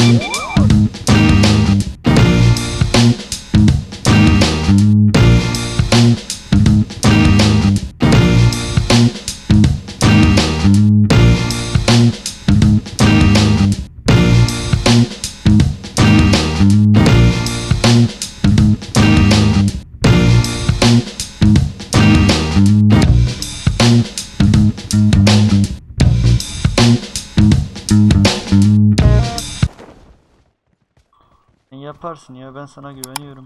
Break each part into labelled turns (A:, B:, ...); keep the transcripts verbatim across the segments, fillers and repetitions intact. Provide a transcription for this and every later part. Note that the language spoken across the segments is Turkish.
A: Yaparsın ya, ben sana güveniyorum.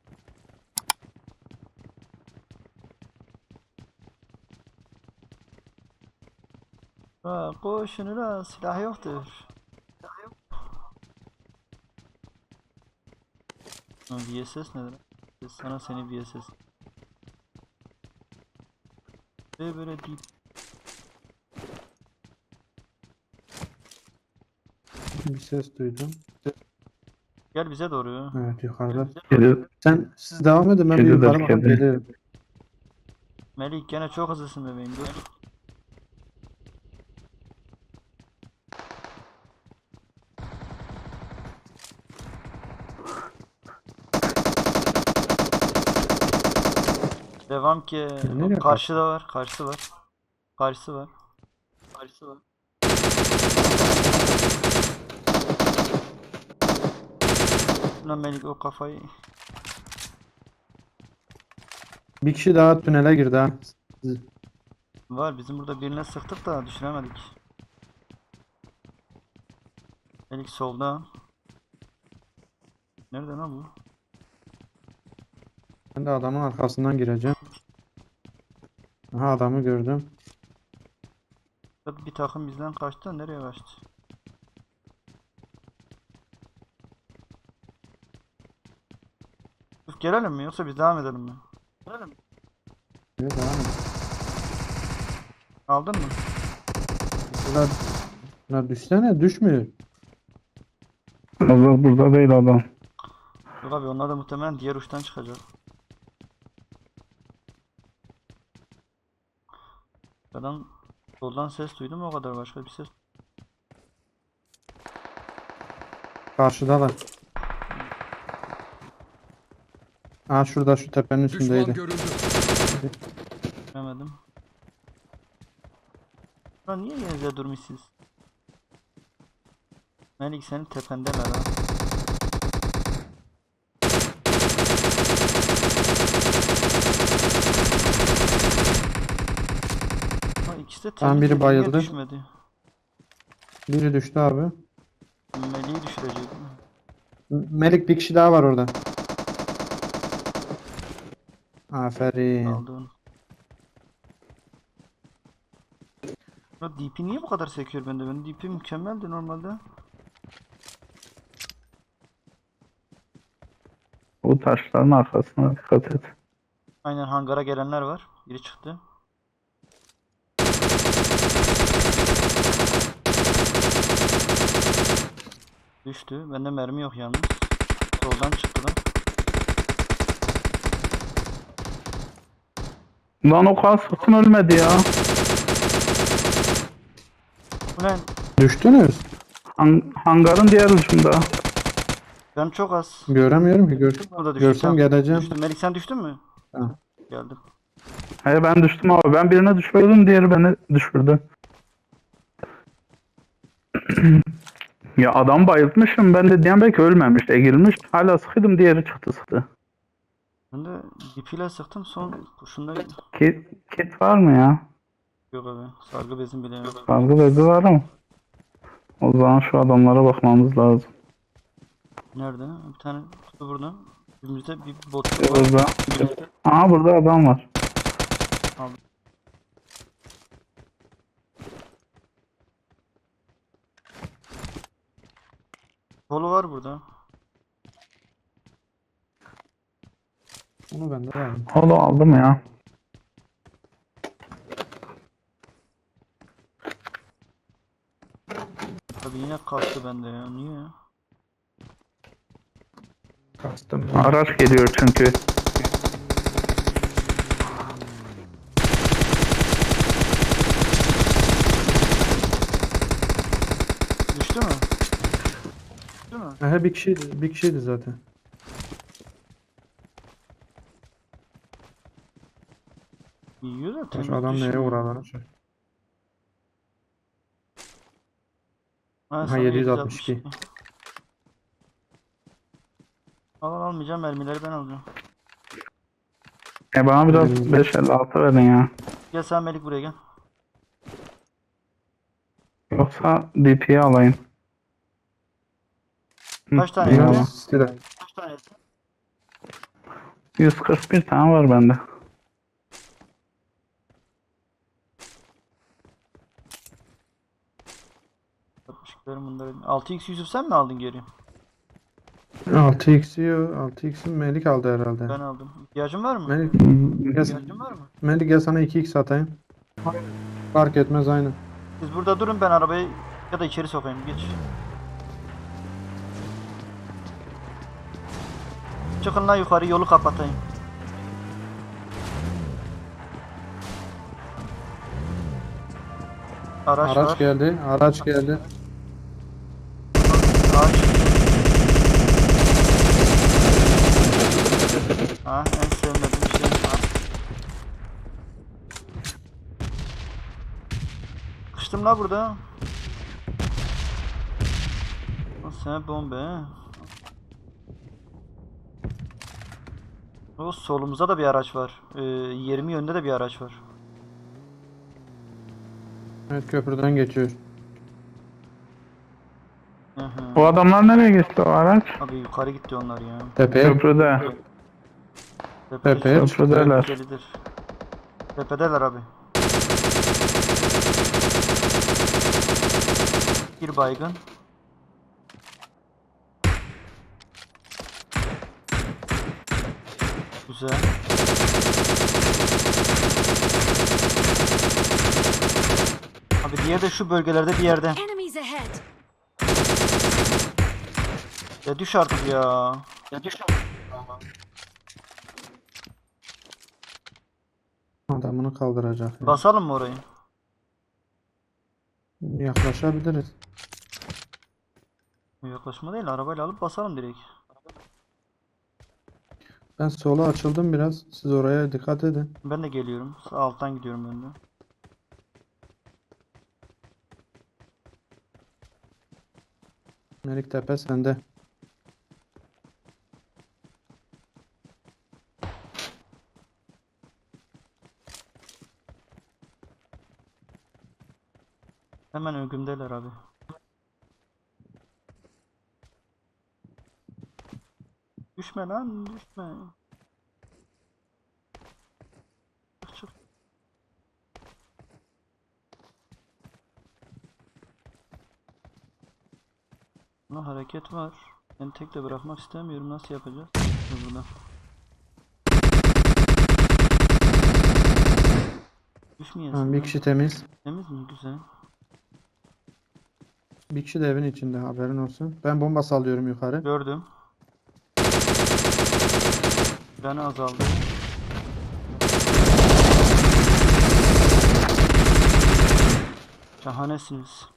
A: Ha, koşununa silah yoktur. Ha, V S S nedir? Sana seni V S S. Ve böyle deyip
B: Bir ses duydum.
A: gel bize doğru.
B: Evet, yukarıda.
C: Kedi,
B: Sen siz devam edin, ben bir
C: Kedidir,
B: yukarı bakıp
C: kedi.
B: gelirim.
A: Melik gene çok hızlısın bebeğim, dur. Devam ki.
B: Nereye
A: Karşıda var, karşısı var. Karşısı var. Karşısı var. Lan Melik o kafayı.
B: Bir kişi daha tünele girdi ha.
A: Var, bizim burada birine sıktık da düşüremedik. Melik solda. Nerede lan bu?
B: Ben de adamın arkasından gireceğim. Aha, adamı gördüm.
A: Bir takım bizden kaçtı, nereye kaçtı? Uf, gelelim mi yoksa biz devam edelim mi? Gelelim.
B: Evet, devam et.
A: Aldın mı?
B: Bunlar, bunlar düşsene, düşmüyor.
C: Hazır burada değil adam.
A: Yok abi, onlar da muhtemelen diğer uçtan çıkacak. Adam soldan ses duydum, o kadar, başka bir ses.
B: Karşıdalar. Aa, şurada şu tepenin
D: Düşman
B: üstündeydi.
D: görüldü.
A: Göremedim. Lan niye yerinize durmuşsunuz? Melik senin tependeler ha. Ha, ikisi de
B: Tamam, biri
A: temiz, niye
B: bayıldı.
A: düşmedi?
B: Biri düştü abi.
A: Melik'i düşürecek mi?
B: M- Melik, bir kişi daha var orada. Aferin.
A: Aldı onu. Ya D P niye bu kadar sekiyor bende? Benim D P mükemmeldi normalde.
C: O taşların arkasına dikkat et.
A: Aynen, hangara gelenler var. Biri çıktı. Düştü. Bende mermi yok yalnız. Soldan çıktılar.
C: Lan o kadar sıktın ölmedi ya.
A: Ulan
B: Düştünüz.
C: Han- hangarın diğer ucunda.
A: ben çok az.
B: Göremiyorum ki. Gör
A: Burada düştü.
B: Görsem
A: Tamam.
B: geleceğim.
A: Düştüm. Melik sen düştün mü?
B: Ha.
A: Geldim.
C: Hayır, ben düştüm abi. Ben birine düşürdüm, diğeri beni düşürdü. Ya adam bayıltmışım. Ben de diyen belki ölmemiş, egilmiş. Hala sıkıydım, diğeri çıktı sıktı.
A: Ben de D P ile sıktım, son kurşunda
C: Kit, kit var mı ya?
A: yok abi. Sargı bezim bile yok.
C: Sargı bezi var ama. O zaman şu adamlara bakmamız lazım.
A: Nerede? Bir tane kutu burada. Önümüzde bir bot var.
C: Burada. Aa, burada adam var.
A: Polo var burada.
B: Onu ben de aldım.
C: Holo aldım ya.
A: Abi yine kalktı bende ya. Niye ya?
B: Kastım.
C: Araç geliyor çünkü.
A: Düştü mü? Değil mi?
B: Aha, bir kişiydi, bir kişiydi zaten.
A: Yiyor da
B: Baş
A: temiz
B: adam neye
A: düşmüyor.
B: uğradı?
A: Ha
B: Ha,
A: sana
B: yedi yüz
A: yedi yüz
B: altmış
A: altmış
B: iki.
A: iki. Al al, almayacağım, mermileri ben alacağım.
C: E bana biraz
B: Benim-
C: beş elli altı verin ya.
A: Gel sen Melik, buraya gel.
C: Yoksa D P'yi alayım. Hı,
A: Kaç tane
B: Bunlar
A: etti?
C: eyvallah.
B: silah.
A: Kaç tane etti?
C: yüz kırk bir tane var bende.
A: altmış ikilerim bunları. altı x Yusuf sen mi aldın geri?
B: altı x yiyor. altı x'i Melik aldı herhalde.
A: Ben aldım. İhtiyacın var mı?
B: Melik,
C: Hmm,
B: gel,
A: İhtiyacın var mı?
B: Melik gel sana iki x atayım. Fark etmez aynı.
A: Siz burada durun, ben arabayı ya da içeri sokayım, geç. Çıkın lan yukarı, yolu kapatayım. Araç,
B: Araç
A: var.
B: geldi. Araç geldi.
A: Ağaç. Ha, en sevmediğim şey. Ha. Kıştım la burada. O sen bombe. O solumuzda da bir araç var. Ee, yirmi yönde de bir araç var.
B: Evet, köprüden geçiyor.
A: Hı hı.
C: Bu adamlar nereye geçti o araç?
A: Abi yukarı gitti onlar ya.
B: Tepeye.
C: Köprüde.
A: Tepede
B: Tepeye
A: çok
B: çıktı.
C: Köprüdeler.
A: tehlikelidir. Tepedeler abi. Bir baygın. Güzel. Abi diğer de şu bölgelerde bir yerde.
D: Enemies ahead!
A: Ya düş artık ya. Ya düş artık.
B: Adamını kaldıracak. ya.
A: Basalım mı orayı?
B: Yaklaşabiliriz.
A: Yaklaşma değil, arabayla alıp basalım direkt.
B: Ben sola açıldım biraz. Siz oraya dikkat edin.
A: Ben de geliyorum. Sağ alttan gidiyorum ben de.
B: Melik tepe sende.
A: Hemen ögümdeler abi. Düşme lan, düşme. Çık çık. Buna hareket var. Ben tek de bırakmak istemiyorum. Nasıl yapacağız? Dur burada. Düşmeyesin
B: Tamam, bir
A: lan.
B: kişi temiz.
A: Temiz mi? Güzel.
B: Bir kişi de evin içinde, haberin olsun. Ben bomba sallıyorum yukarı.
A: Gördüm. Canı azaldı. Şahanesiniz.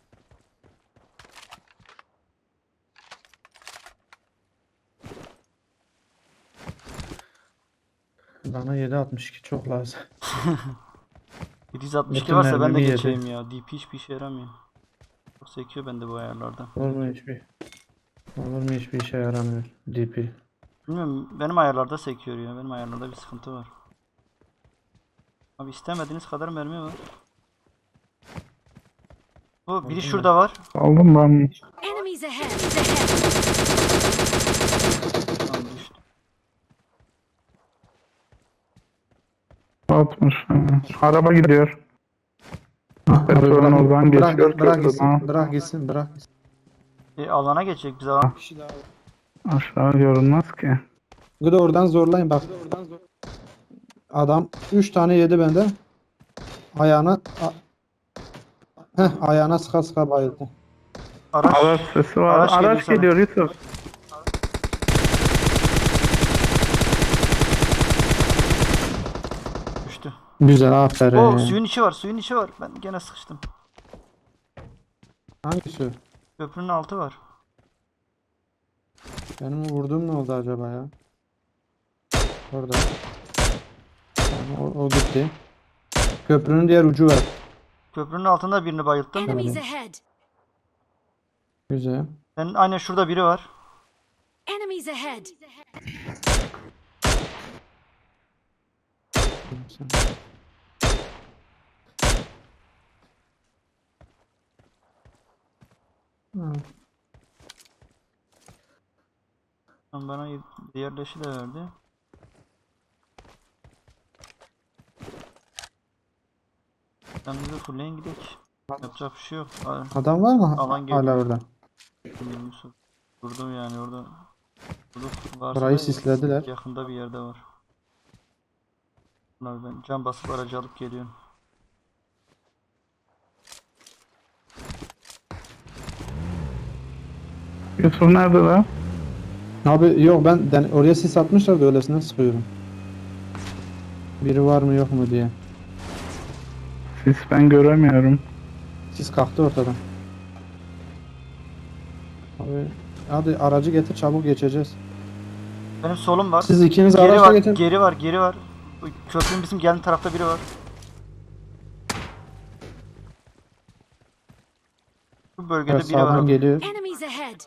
B: Bana yedi altmış iki çok lazım.
A: yedi yüz altmış iki
B: Bütün
A: varsa ben de
B: mermimi yedi.
A: geçeyim ya. D P hiçbir işe yaramıyor. Çok sekiyor bende bu ayarlarda.
B: Olur mu hiçbir? Olur mu, hiçbir işe yaramıyor. D P.
A: Bilmiyorum, benim ayarlarda sekiyor ya. Benim ayarlarda bir sıkıntı var. Abi istemediğiniz kadar mermi var. O biri şurada var.
C: Aldım ben.
D: Enemies ahead! Ahead!
A: Tamam, düştü.
C: altmış. Araba gidiyor.
B: Abi
C: Petrolün
B: bırak,
C: oradan
B: bırak,
C: geçiyor.
B: bırak
C: köprüden.
B: gitsin, bırak gitsin, bırak gitsin.
A: E, alana geçecek biz alan.
C: Aşağı görünmez ki.
B: Bir de oradan zorlayın bak. Adam üç tane yedi benden. Ayağına a- Heh, ayağına sıka sıka bayıldı.
A: Araç.
C: Araç sesi var.
A: Araç
C: Araç,
A: geliyor sana.
C: geliyor Yusuf.
A: Düştü.
B: Güzel, aferin.
A: O suyun içi var, suyun içi var. Ben gene sıkıştım.
B: Hangisi?
A: Köprünün altı var.
B: Benim o vurduğum ne oldu acaba ya? Orada. Tamam, o, o gitti. Köprünün diğer ucu var.
A: Köprünün altında birini bayılttım.
D: Enemies ahead.
B: Güzel.
A: Senin aynen şurada biri var.
D: Enemies ahead.
B: Ha,
A: Lan bana y- diğer leşi de verdi. Kendimizi fullleyin gidelim. Yapacak bir şey yok. Aa,
B: adam var mı
A: Alan
B: hala
A: geliyor.
B: orada?
A: bilmiyorum, Yusuf. Durdum yani orada. Durduk. Varsa
B: Burayı
A: da
B: sislediler.
A: yakında bir yerde var. Abi ben can basıp aracı alıp geliyorum.
C: Yusuf nerede lan?
B: Abi yok ben den- oraya sis atmışlar da öylesine sıkıyorum. Biri var mı yok mu diye.
C: Sis ben göremiyorum.
B: Sis kalktı ortadan. Abi hadi aracı getir çabuk geçeceğiz.
A: Benim solum var.
B: Siz ikiniz
A: Geri
B: araçla
A: var,
B: getirin.
A: geri var, geri var. Bu köprünün bizim geldiği tarafta biri var. Bu bölgede
B: Evet,
A: biri var.
B: sağdan
A: abi.
B: geliyor.
D: Enemies ahead.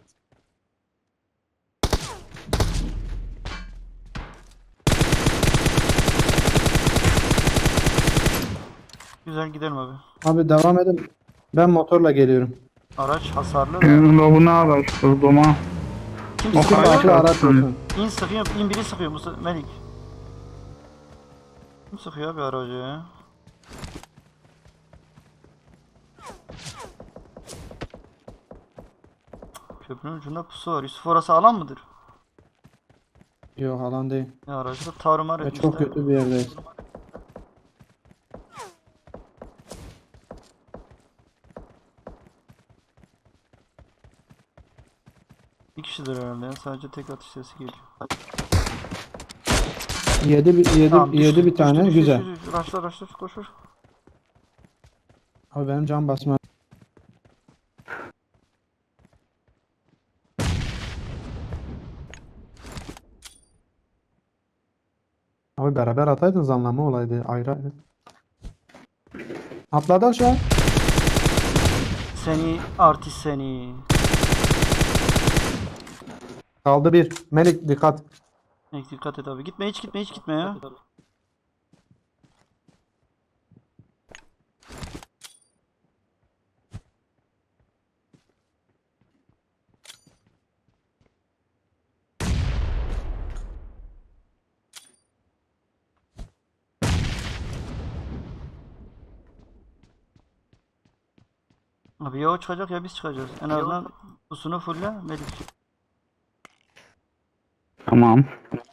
A: Güzel gidelim abi.
B: Abi devam edin. Ben motorla geliyorum.
A: Araç hasarlı da.
C: Benim lobunu araştırdım ha.
A: Kim
C: O
A: sıkıyor?
C: kadar.
B: Farklı araç olsun.
A: İn sıkıyor, in biri sıkıyor Musa Melik. Kim sıkıyor abi aracı ya? Köprünün ucunda pusu var. Yusuf orası alan mıdır?
B: Yok alan değil.
A: Ya aracı da tarumar
B: Ve
A: etmişler.
B: çok kötü bir yerdeyiz.
A: Bir kişidir herhalde ya. Sadece tek atış sesi geliyor.
B: Yedi, bir- yedi,
A: Tamam,
B: yedi
A: düştü,
B: bir tane
A: düştü, düştü,
B: güzel.
A: düştü, düştü. Raşla raşla koş koş.
B: Abi benim can basma. Abi beraber ataydınız anlamı olaydı ayrı ayrı. Atladı aşağı.
A: Seni artist seni.
B: Kaldı bir. Melik dikkat.
A: Melik dikkat et abi. Gitme hiç gitme hiç gitme ya. Abi ya o çıkacak ya biz çıkacağız. En azından pusunu fulle Melik.
C: Tamam.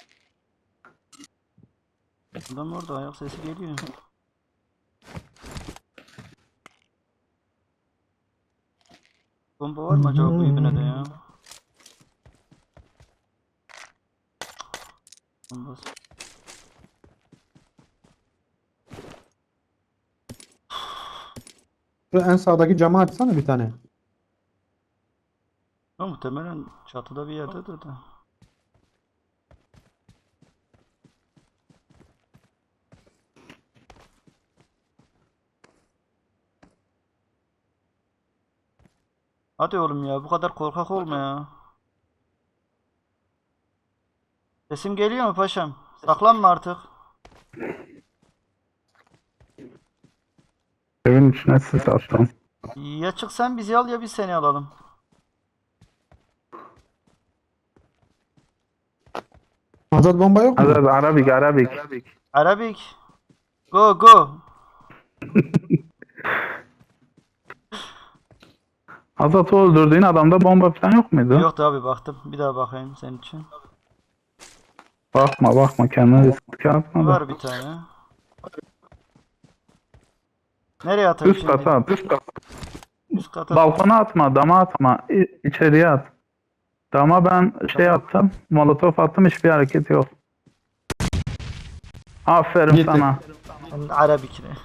A: Adam orada ayak sesi geliyor. Bomba var mı acaba bu ibnede ya? Bombası.
B: Şu en sağdaki camı açsana bir tane.
A: Ya muhtemelen çatıda bir yerdedir de. Hadi oğlum ya bu kadar korkak olma ya. Sesim geliyor mu paşam? Saklanma artık.
C: Evin içine sis attım.
A: Ya çık sen bizi al ya biz seni alalım.
B: Azat bomba yok mu?
C: Hadi hadi Arabik Arabik.
A: Arabik. Go go.
C: Azat'ı öldürdüğün adamda bomba falan yok muydu?
A: Yoktu abi baktım. Bir daha bakayım senin için.
C: Bakma bakma kendine riske atma da.
A: Var bir tane. Nereye atayım
C: Üst
A: şimdi?
C: kata at. Üst kata.
A: Üst kata.
C: Balkona atma, dama atma. İ- içeriye at. Dama ben şey attım. Molotof attım hiçbir hareket yok. Aferin
B: Gitti.
C: sana.
A: Arabik.